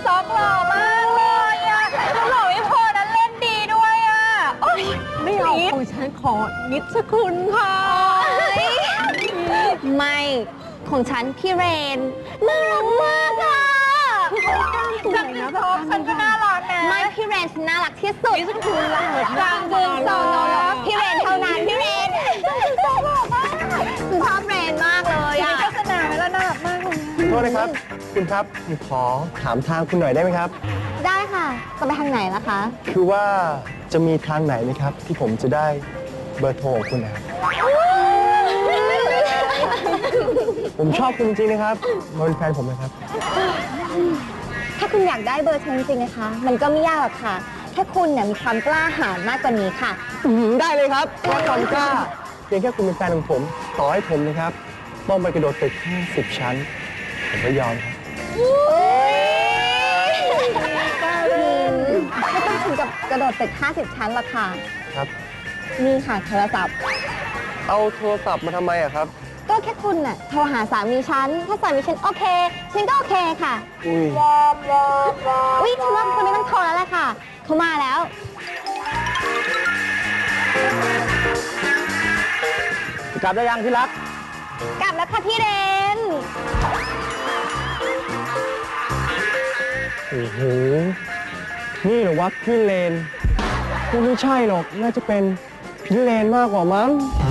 ซ็อกหล่อมากเลยอะแล้วหล่อไม่พอนั้นเล่นดีด้วยอะโอ๊ยไม่เอาของฉันขอนิชคุณค่ะไม่ของฉันพี่เรนน่ารักมากอ่ะจังหวะท็อปฉันก็น่ารักนะไม่พี่เรนฉันน่ารักที่สุดจังจึงโซโนพี่เรนเท่านั้นพี่เรนฉันชอบเรนมากเลยมีอ่ะโฆษณาไหมล่ะน่ารักมากเลยโทษนะครับ คุณครับผมขอถามทางคุณหน่อยได้ไหมครับได้ค่ะจะไปทางไหนล่ะคะคือว่าจะมีทางไหนไหมครับ ที่ผมจะได้เบอร์โทรของคุณนะครับ ผมชอบคุณจริงๆนะครับมาเป็นแฟนผมนะครับถ้าคุณอยากได้เบอร์ฉันจริงๆนะคะ มันก็ไม่ยากหรอกค่ะแค่คุณเนี่ยมีความกล้าหาญมากกว่านี้ค่ะได้เลยครับแค่ความกล้าเพียงแค่คุณเป็นแฟนของผม ต่อให้ผมนะครับต้องไปกระโดดตึก50 ชั้น ผมก็ยอมครับไม่ต้องถึงกับกระโดดตึก50 ชั้นหรอกค่ะครับนี่ค่ะโทรศัพท์เอาโทรศัพท์มาทำไมอะครับก็แค่คุณน่ะโทรหาสามีฉัน ถ้าสามีฉันโอเค ฉันก็โอเคค่ะอุ้ยอุ๊ยฉันว่าคนนี้ต้องโทรแล้วแหละค่ะ เขามาแล้วกลับได้ยังที่รักกลับแล้วค่ะพี่เรนโอ้โห นี่เหรอวะพี่เลนคงไม่ใช่หรอก น่าจะเป็นพี่เลนมากกว่ามั้ง